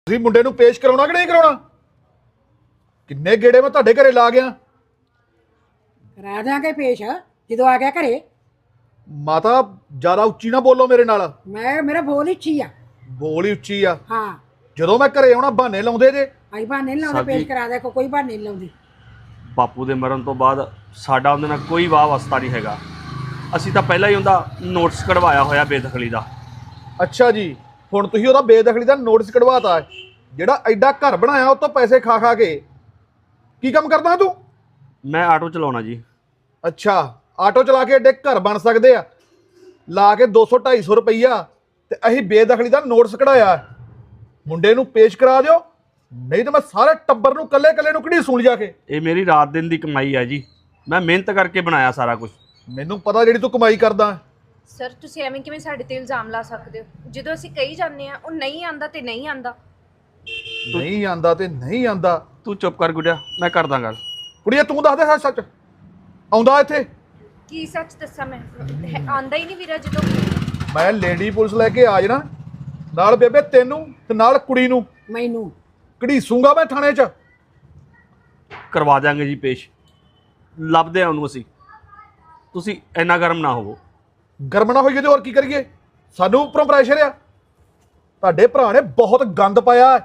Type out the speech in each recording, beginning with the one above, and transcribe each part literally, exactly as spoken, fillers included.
ਤੁਸੀਂ ਮੁੰਡੇ ਨੂੰ ਪੇਸ਼ ਕਰਾਉਣਾ ਕਿ ਨਹੀਂ ਕਰਾਉਣਾ? ਕਿੰਨੇ ਗੇੜੇ ਮੈਂ ਤੁਹਾਡੇ ਘਰੇ ਲਾ ਗਿਆ। ਕਰਾ ਦਿਆਂਗੇ ਪੇਸ਼ ਜਦੋਂ ਆ ਗਿਆ ਘਰੇ। ਮਾਤਾ ਜ਼ਿਆਦਾ ਉੱਚੀ ਨਾ ਬੋਲੋ ਮੇਰੇ ਨਾਲ। ਮੈਂ ਮੇਰਾ ਬੋਲ ਇੱਚੀ ਆ। ਬੋਲ ਹੀ ਉੱਚੀ ਆ। ਹਾਂ ਜਦੋਂ ਮੈਂ ਘਰੇ ਆਉਣਾ ਬਹਾਨੇ ਲਾਉਂਦੇ ਜੇ। ਆਈ ਬਹਾਨੇ ਨਹੀਂ ਲਾਉਂਦੇ, ਪੇਸ਼ ਕਰਾ ਦੇ ਕੋ ਕੋਈ ਬਹਾਨੇ ਨਹੀਂ ਲਾਉਂਦੀ। ਬਾਪੂ ਦੇ ਮਰਨ ਤੋਂ ਬਾਅਦ ਸਾਡਾ ਉਹਦੇ ਨਾਲ ਕੋਈ ਵਾਹ ਵਸਤਾ ਨਹੀਂ ਹੈਗਾ। ਅਸੀਂ ਤਾਂ ਪਹਿਲਾਂ ਹੀ ਉਹਦਾ ਨੋਟਿਸ ਕਢਵਾਇਆ ਹੋਇਆ ਬੇਦਖਲੀ ਦਾ। ਅੱਛਾ ਜੀ, ਹੁਣ ਤੁਸੀਂ ਉਹਦਾ ਬੇਦਖਲੀ ਦਾ ਨੋਟਿਸ ਕਢਵਾਤਾ। ਜਿਹੜਾ ਐਡਾ ਘਰ ਬਣਾਇਆ ਉਹ ਤੋਂ ਪੈਸੇ ਖਾ ਖਾ ਕੇ। ਕੀ ਕੰਮ ਕਰਦਾ ਤੂੰ? ਮੈਂ ਆਟੋ ਚਲਾਉਣਾ ਜੀ। ਅੱਛਾ, ਆਟੋ ਚਲਾ ਕੇ ਐਡੇ ਘਰ ਬਣ ਸਕਦੇ ਆ? ਲਾ ਕੇ ਦੋ ਸੌ ਢਾਈ ਸੌ ਰੁਪਈਆ ਤੇ ਅਸੀਂ ਬੇਦਖਲੀ ਦਾ ਨੋਟਿਸ ਕਢਾਇਆ। ਮੁੰਡੇ ਨੂੰ ਪੇਸ਼ ਕਰਾ ਦਿਓ, ਨਹੀਂ ਤਾਂ ਮੈਂ ਸਾਰੇ ਟੱਬਰ ਨੂੰ ਕੱਲੇ ਕੱਲੇ ਨੂੰ ਕਿਹੜੀ ਸੁਣ ਜਾ ਕੇ। ਇਹ ਮੇਰੀ ਰਾਤ ਦਿਨ ਦੀ ਕਮਾਈ ਹੈ ਜੀ। ਮੈਂ ਮਿਹਨਤ ਕਰਕੇ ਬਣਾਇਆ ਸਾਰਾ ਕੁਝ। ਮੈਨੂੰ ਪਤਾ ਜਿਹੜੀ ਤੂੰ ਕਮਾਈ ਕਰਦਾ। ਸਰ ਤੁਸੀਂ ਐਵੇਂ ਕਿਵੇਂ ਸਾਡੇ ਤੇ ਇਲਜ਼ਾਮ ਲਾ ਸਕਦੇ ਹੋ? ਜਦੋਂ ਅਸੀਂ ਕਹੀ ਜਾਂਦੇ ਆ ਉਹ ਨਹੀਂ ਆਂਦਾ ਤੇ ਨਹੀਂ ਆਂਦਾ। ਨਹੀਂ ਆਂਦਾ ਤੇ ਨਹੀਂ ਆਂਦਾ। ਤੂੰ ਚੁੱਪ ਕਰ ਗੁੱਡਿਆ, ਮੈਂ ਕਰਦਾ ਗੱਲ। ਕੁੜੀਏ ਤੂੰ ਦੱਸ ਦੇ ਸੱਚ ਸੱਚ ਆਉਂਦਾ ਇੱਥੇ? ਕੀ ਸੱਚ ਦੱਸਾਂ ਮੈਂ? ਆਂਦਾ ਹੀ ਨਹੀਂ ਵੀਰਾ। ਜਦੋਂ ਮੈਂ ਲੇਡੀ ਪੁਲਿਸ ਲੈ ਕੇ ਆ ਜਾਣਾ ਨਾਲ ਬੇਬੇ ਤੈਨੂੰ ਤੇ ਨਾਲ ਕੁੜੀ ਨੂੰ ਮੈਨੂੰ ਘੜੀਸੂੰਗਾ ਮੈਂ ਥਾਣੇ 'ਚ। ਕਰਵਾ ਦਿਆਂਗੇ ਜੀ ਪੇਸ਼। ਲੱਭਦੇ ਆ ਉਹਨੂੰ ਅਸੀਂ। ਤੁਸੀਂ ਇੰਨਾ ਗਰਮ ਨਾ ਹੋਵੋ। ਗਰਮ ਨਾ ਹੋਈਏ ਤੇ ਹੋਰ ਕੀ ਕਰੀਏ? ਸਾਨੂੰ ਉੱਪਰੋਂ ਪ੍ਰੈਸ਼ਰ ਆ। ਤੁਹਾਡੇ ਭਰਾ ਨੇ ਬਹੁਤ ਗੰਦ ਪਾਇਆ।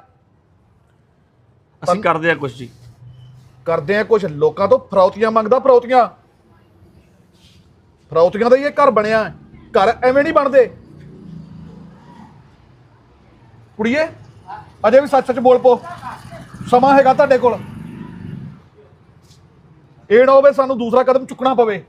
ਅਸੀਂ ਕਰਦੇ ਆ ਕੁਝ ਜੀ। ਕਰਦੇ ਆ ਕੁਝ। ਲੋਕਾਂ ਤੋਂ ਫਰੌਤੀਆਂ ਮੰਗਦਾ। ਫਰੌਤੀਆਂ ਫਰੌਤੀਆਂ ਦਾ ਹੀ ਇਹ ਘਰ ਬਣਿਆ। ਘਰ ਐਵੇਂ ਨਹੀਂ ਬਣਦੇ। ਕੁੜੀਏ ਅਜੇ ਵੀ ਸੱਚ ਸੱਚ ਬੋਲ ਪੋ। ਸਮਾਂ ਹੈਗਾ ਤੁਹਾਡੇ ਕੋਲ। ਇਹ ਨਾ ਹੋਵੇ ਸਾਨੂੰ ਦੂਸਰਾ ਕਦਮ ਚੁੱਕਣਾ ਪਵੇ।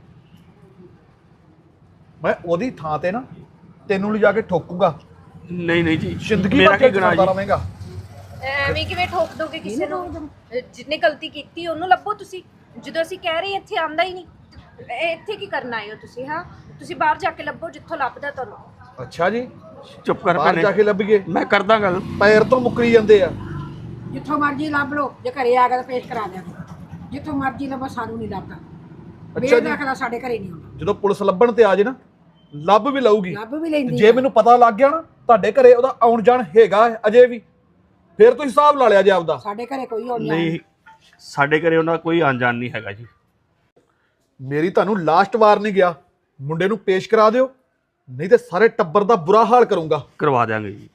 ਮੈਂ ਉਹਦੀ ਥਾਂ ਤੇ ਨਾ ਤੈਨੂੰ ਲਿਜਾ ਕੇ ਠੋਕੂਗਾ। ਨਹੀਂ ਨਹੀਂ ਜੀ, ਜ਼ਿੰਦਗੀ ਮੇਰਾ ਭਰ ਕੀ ਗੁਨਾਹ ਜੀ? ਰਵੇਂਗਾ। ਐਵੇਂ ਕਿਵੇਂ ਠੋਕ ਦੋਗੇ ਕਿਸੇ ਨੂੰ? ਜਿੰਨੇ ਗਲਤੀ ਕੀਤੀ ਉਹਨੂੰ ਲੱਭੋ ਤੁਸੀਂ। ਜਦੋਂ ਅਸੀਂ ਕਹਿ ਰਹੇ ਇੱਥੇ ਆਂਦਾ ਹੀ ਨਹੀਂ, ਇਹ ਇੱਥੇ ਕੀ ਕਰਨ ਆਏ ਹੋ ਤੁਸੀਂ? ਹਾਂ ਤੁਸੀਂ ਬਾਹਰ ਜਾ ਕੇ ਲੱਭੋ ਜਿੱਥੋਂ ਲੱਭਦਾ ਤੁਹਾਨੂੰ। ਅੱਛਾ ਜੀ, ਚੁੱਪ ਕਰ ਬਾਹਰ ਜਾ ਕੇ ਲੱਭੀਏ? ਮੈਂ ਕਰਦਾ ਗੱਲ। ਪੈਰ ਤੋਂ ਮੁੱਕਰੀ ਜਾਂਦੇ ਆ। ਜਿੱਥੋਂ ਮਰਜ਼ੀ ਲੱਭ ਲਓ। ਜੇ ਘਰੇ ਆ ਗਿਆ ਤਾਂ ਪੇਸ਼ ਕਰਾ ਦਿਆਂਗੇ। ਜਿੱਥੋਂ ਮਰਜ਼ੀ ਲੱਭੋ, ਸਾਨੂੰ ਨਹੀਂ ਲੱਭਦਾ। ਅੱਛਾ ਜੀ, ਬੇਦਖਲਾ ਸਾਡੇ ਘਰੇ ਨਹੀਂ ਆਉਂਦਾ। ਜਦੋਂ ਪੁਲਿਸ ਲੱਭਣ ਤੇ ਆ ਜੇ ਨਾ ਲੱਭ ਵੀ ਲਊਗੀ। ਲੱਭ ਵੀ ਲੈਂਦੀ ਜੇ ਆ। ਮੈਨੂੰ ਪਤਾ ਲੱਗ ਗਿਆ ਨਾ ਤੁਹਾਡੇ ਘਰੇ ਉਹਦਾ ਆਉਣ ਜਾਣ ਹੈਗਾ ਅਜੇ ਵੀ, ਫਿਰ ਤੁਸੀਂ ਹਿਸਾਬ ਲਾ ਲਿਆ ਜੇ ਆਪਦਾ। ਸਾਡੇ ਘਰੇ ਕੋਈ ਆਉਣ ਨਹੀਂ, ਸਾਡੇ ਘਰੇ ਉਹਨਾਂ ਦਾ ਕੋਈ ਅਣਜਾਣ ਨਹੀਂ ਹੈਗਾ ਜੀ। ਮੇਰੀ ਤੁਹਾਨੂੰ ਲਾਸਟ ਵਾਰ ਨਹੀਂ ਗਿਆ। ਮੁੰਡੇ ਨੂੰ ਪੇਸ਼ ਕਰਾ ਦਿਓ, ਨਹੀਂ ਤੇ ਸਾਰੇ ਟੱਬਰ ਦਾ ਬੁਰਾ ਹਾਲ ਕਰੂੰਗਾ। ਕਰਵਾ ਦਿਆਂਗੇ ਜੀ।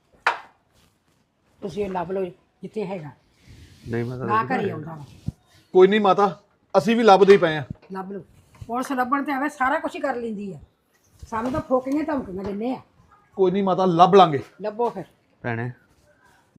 ਤੁਸੀਂ ਇਹ ਲੱਭ ਲਓ ਜਿੱਥੇ ਹੈਗਾ। ਨਹੀਂ ਮੈਂ ਨਾ ਤਾਂ ਘਰੇ ਆਉਂਦਾ ਵਾ। ਕੋਈ ਨਹੀਂ ਮਾਤਾ, ਅਸੀਂ ਵੀ ਲੱਭਦੇ ਹੀ ਪਏ ਆ। ਲੱਭ ਲਓ। ਪੁਲਿਸ ਲੱਭਣ ਤੇ ਆਵੇ ਸਾਰਾ ਕੁਝ ਹੀ ਕਰ ਲੈਂਦੀ ਆ। ਸਾਨੂੰ ਤਾਂ ਫੋਕੀਆਂ ਧਮਕੀਆਂ ਦਿੰਦੇ ਆ। ਕੋਈ ਨਹੀਂ ਮਾਤਾ, ਲੱਭ ਲਾਂਗੇ। ਲੱਭੋ ਫਿਰ। ਭੈਣੇ